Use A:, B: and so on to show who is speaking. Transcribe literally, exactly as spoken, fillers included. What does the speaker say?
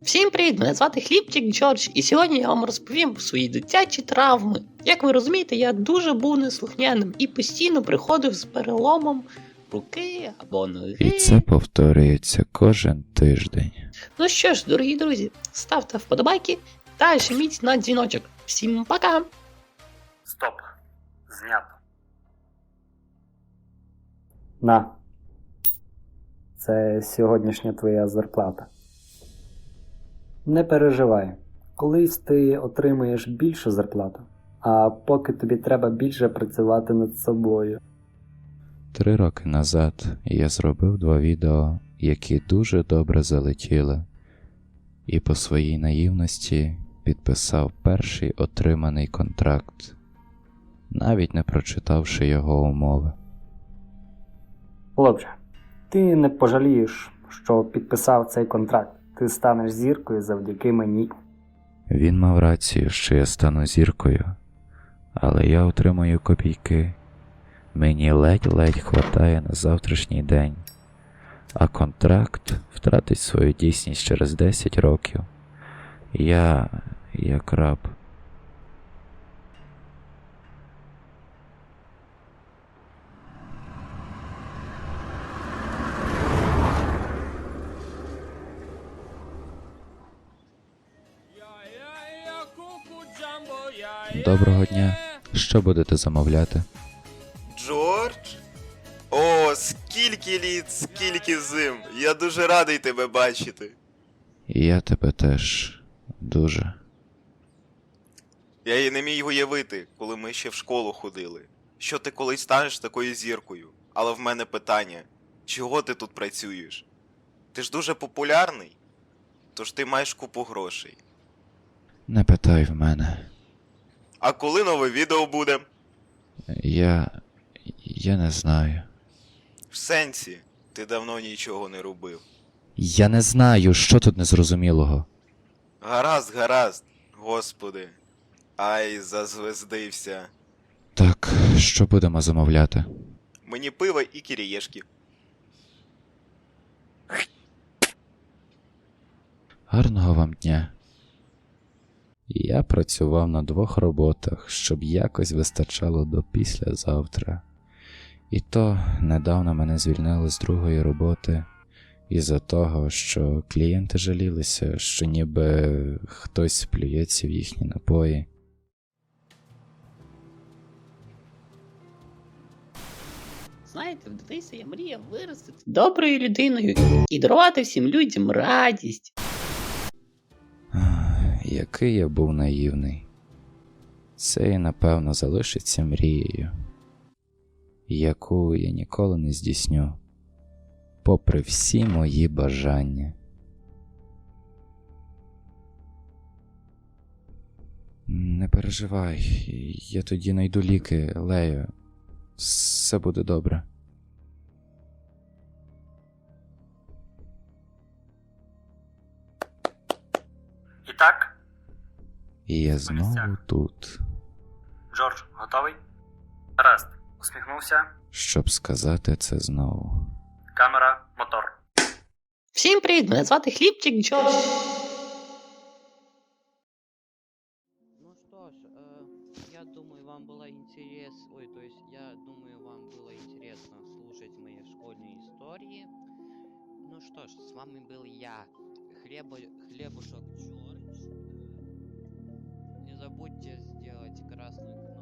A: Всім привіт! Мене звати Хлібчик Джордж, і сьогодні я вам розповім про свої дитячі травми. Як ви розумієте, я дуже був неслухняним і постійно приходив з переломом руки або ноги.
B: І це повторюється кожен тиждень.
A: Ну що ж, дорогі друзі, ставте вподобайки та жміть на дзвіночок. Всім пока!
C: Стоп. Знято. На. Це сьогоднішня твоя зарплата. Не переживай. Колись ти отримаєш більшу зарплату, а поки тобі треба більше працювати над собою.
B: Три роки назад я зробив два відео, які дуже добре залетіли, і по своїй наївності підписав перший отриманий контракт, навіть не прочитавши його умови.
C: Хлопче, ти не пожалієш, що підписав цей контракт. Ти станеш зіркою завдяки мені.
B: Він мав рацію, що я стану зіркою, але я отримую копійки. Мені ледь-ледь хватає на завтрашній день, а контракт втратить свою дійсність через десять років. Я, як раб. Доброго дня. Що будете замовляти?
D: Джордж? О, скільки літ, скільки зим. Я дуже радий тебе бачити.
B: І я тебе теж дуже.
D: Я і не міг уявити, коли ми ще в школу ходили, що ти колись станеш такою зіркою. Але в мене питання, чого ти тут працюєш? Ти ж дуже популярний, тож ти маєш купу грошей.
B: Не питай в мене.
D: А коли нове відео буде?
B: Я... я не знаю.
D: В сенсі, ти давно нічого не робив.
B: Я не знаю, що тут незрозумілого.
D: Гаразд, гаразд, господи. Ай, зазвездився.
B: Так, що будемо замовляти?
D: Мені пиво і кірієшки.
B: Гарного вам дня. Я працював на двох роботах, щоб якось вистачало до післязавтра. І то недавно мене звільнили з другої роботи із-за того, що клієнти жалілися, що ніби хтось плюється в їхні напої.
A: Знаєте, в дитинстві я мріяв виростити доброю людиною і дарувати всім людям радість.
B: Ах, який я був наївний. Це і напевно залишиться мрією, яку я ніколи не здійсню, попри всі мої бажання. Не переживай, я тоді найду ліки, Лею. Все буде добре.
C: І так,
B: І я знову тут,
C: Джордж, готовий? Гаразд. Усміхнувся.
B: щоб сказати це знову.
C: Камера, мотор.
A: Всім привіт! Мене звати Хлібчик Джордж.
E: Ну что ж, э, я думаю, вам было интересно, ой, то есть я думаю, вам было интересно слушать мои школьные истории. Ну что ж, с вами был я, Хлебо, Хлебушек Джордж. Э, Не забудьте сделать красную